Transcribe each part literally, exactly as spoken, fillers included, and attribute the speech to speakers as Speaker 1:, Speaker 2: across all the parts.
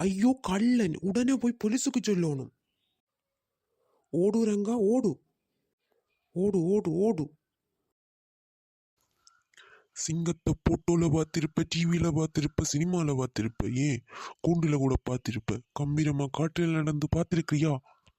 Speaker 1: ஐயோ கள்ளன், உடனே போய் போலீஸுக்கு சொல்லணும். ஓடு ரங்கா ஓடு, ஓடு ஓடு ஓடு.
Speaker 2: சிங்கத்தை போட்டோல பார்த்திருப்ப, டிவியில பார்த்திருப்ப, சினிமால பார்த்திருப்ப, ஏன் கூண்டுல கூட பார்த்திருப்ப. கம்பீரமா காற்றில் நடந்து பார்த்திருக்கிறியா?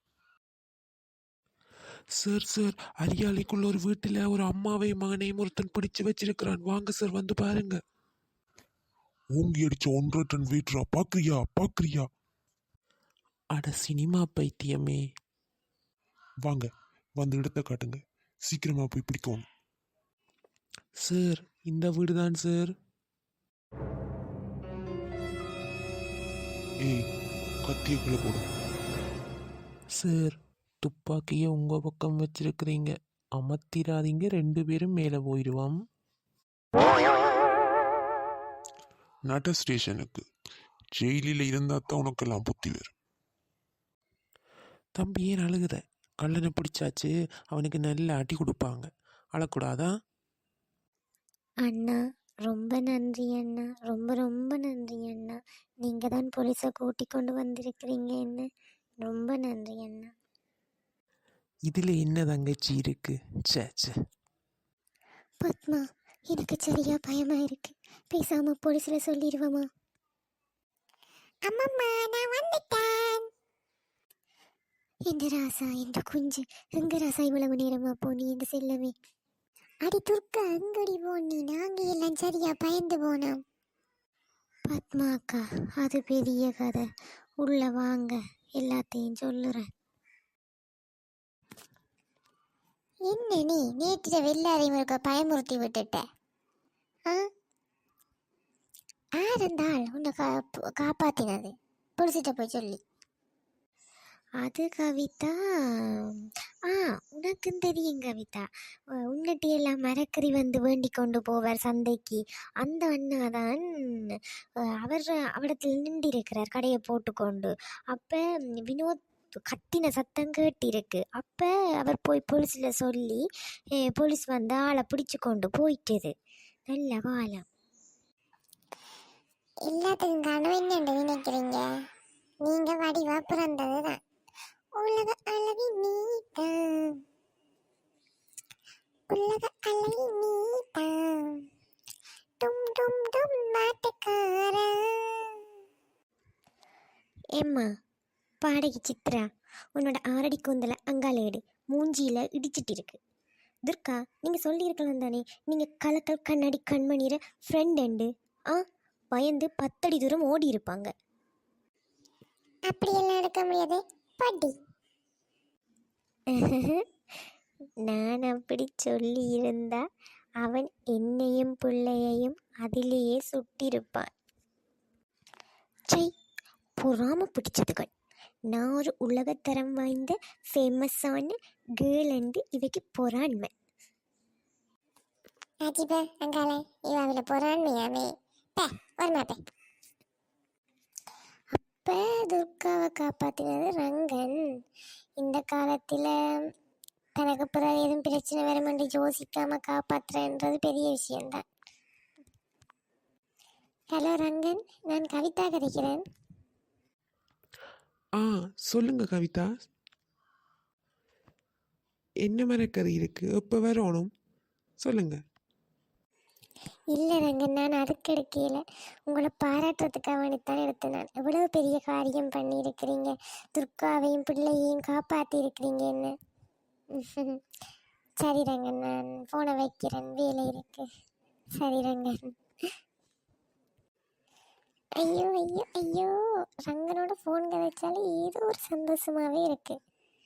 Speaker 1: சார் சார் அரியாலைக்குள்ள ஒரு வீட்டுல ஒரு அம்மாவையும் மகனையும் ஒருத்தன் பிடிச்சு வச்சிருக்கிறான். வாங்க சார் வந்து பாருங்க.
Speaker 2: ஓங்கி அடிச்ச ஒன்றரை டன் வெயிட்ரா, பாக்குறியா பாக்குறியா?
Speaker 1: அட சினிமா பைத்தியமே.
Speaker 2: வாங்க, வந்து இடத்த காட்டுங்க, சீக்கிரமா போய் பிடிக்கணும்.
Speaker 1: சார் இந்த வீடு தான் சார்.
Speaker 2: ஏய், கத்திய கீழே போடு.
Speaker 1: சார் துப்பாக்கியை உங்க பக்கம் வச்சிருக்கிறீங்க, அமர்த்திராதீங்க, ரெண்டு பேரும் மேலே போயிடுவான்.
Speaker 2: நட ஸ்டேஷனுக்கு. ஜெயிலில் இருந்தா தான் உனக்கெல்லாம் புத்தி வரும்.
Speaker 1: தம்பி ஏன் அழுகுற? கல்லனை பிடிச்சாச்சு, அவனுக்கு நல்ல அடி கொடுப்பாங்க, அழக்கூடாதா?
Speaker 3: அண்ணா ரொம்ப நன்றி அண்ணா, ரொம்ப ரொம்ப நன்றி அண்ணா. நீங்கள் தான் போலீஸை கூட்டி கொண்டு வந்திருக்கிறீங்க என்ன, ரொம்ப நன்றி அண்ணா.
Speaker 1: இதில் என்ன தங்கச்சி இருக்கு? சே சே.
Speaker 3: பத்மா, எனக்கு சரியா பயமா இருக்கு, பேசாம போலீஸ்ல சொல்லிடுவோமா? அம்மம்மா நான் வந்துட்டேன். எந்த ராசா, எந்த குஞ்சு, எங்க ராசா இவ்வளவு நேரமா போனி எந்த செல்லவே? அடி துர்க்கா, எங்கடி போனி? நாங்க எல்லாம் சரியா பயந்து போனோம். பத்மா அக்கா, அது பெரிய கதை, உள்ள வாங்க, எல்லாத்தையும் சொல்லுறேன். என்ன நீ நேற்று வெள்ளாரையும் இருக்க பயமுறுத்தி விட்டுட்ட? ஆ, ஆறுந்தாள் உன்னை கா காப்பாத்தினது பிடிச்சிட்ட போய் சொல்லி. அது கவிதா. ஆ, உனக்கும் தெரியும் கவிதா, உன்னட்டி எல்லாம் மரக்கறி வந்து வேண்டி கொண்டு போவார் சந்தைக்கு, அந்த அண்ணாதான் அவர் அவடத்தில் நின்றிருக்கிறார் கடையை போட்டுக்கொண்டு. அப்போ வினோத் கத்தின சத்தம் கேட்டிருக்கு. அப்போ அவர் போய் போலீஸில் சொல்லி போலீஸ் வந்து ஆளை பிடிச்சு கொண்டு போயிட்டது. நல்ல காலம். எல்லாத்துக்கும் காரணம் என்னென்று நினைக்கிறீங்க? நீங்கள் வடிவா பிறந்தது தான். உலக அழகி நீதான், உலக அழகி நீதான், டும் டும் டும் நாட்டுக்கார. ஏம்மா பாடகி சித்ரா, உன்னோட ஆரடி கூந்தலை அங்காலேடு, மூஞ்சியில் இடிச்சிட்டு இருக்கு. துர்கா, நீங்கள் சொல்லியிருக்கலாம் தானே, நீங்கள் கலக்கல் கண்ணாடி கண்மணிற ஃப்ரெண்ட் அண்டு. ஆ, பயந்து பத்தடி தூரம் ஓடி இருப்பாங்க. அப்படியெல்லாம் எடுக்க முடியாது பாட்டி. நான் அப்படி சொல்லி இருந்தா அவன் என்னையும் பிள்ளையையும் அதிலேயே சுட்டிருப்பான். சை, பொறாம பிடிச்சதுகள். நான் ஒரு உலகத்தரம் வாய்ந்த ஃபேமஸான கேர்ள் அண்டு இவைக்கு பொறாண்மை. அஜிபா அங்காலே இவாவில பொறாண்மையாமே ஒரு மாட்டே. அப்போ துர்காவை காப்பாற்றினது ரங்கன். இந்த காலத்தில் தனக்கு பிறகு எதுவும் பிரச்சனை வருமென்று யோசிக்காமல் காப்பாற்றுறது பெரிய விஷயம்தான். ஹலோ ரங்கன், நான் கவிதா கதைக்கிறேன்.
Speaker 1: ஆ சொல்லுங்க கவிதா, என்ன மரக்கறி இருக்கு, எப்போ வரணும் சொல்லுங்க.
Speaker 3: இல்லை ரங்கன், நான் அதுக்கு எடுக்கல, உங்களை பாராட்டுறதுக்காக வேண்டித்தான் எடுத்தேன். நான் எவ்வளவு பெரிய காரியம் பண்ணியிருக்கிறீங்க, துர்காவையும் பிள்ளையையும் காப்பாற்றி இருக்கிறீங்க என்ன. சரி ரங்கன், நான் ஃபோனை வைக்கிறேன், வேலை இருக்கு. சரி ரங்கன். ஐயோ ஐயோ ஐயோ, ரங்கனோட ஃபோன் கதைச்சாலே ஏதோ ஒரு சந்தோஷமாகவே இருக்கு.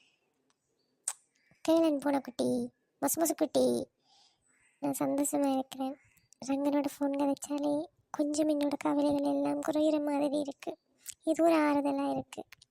Speaker 3: கேளன் போன குட்டி, மசு மசு குட்டி, நான் சந்தோஷமாக இருக்கிறேன். ரங்கனோட ஃபோன் கதைச்சாலே கொஞ்சம் என்னோட கவலைகள் எல்லாம் குறையிற மாதிரி இருக்குது. இது ஒரு ஆறுதலாக இருக்குது.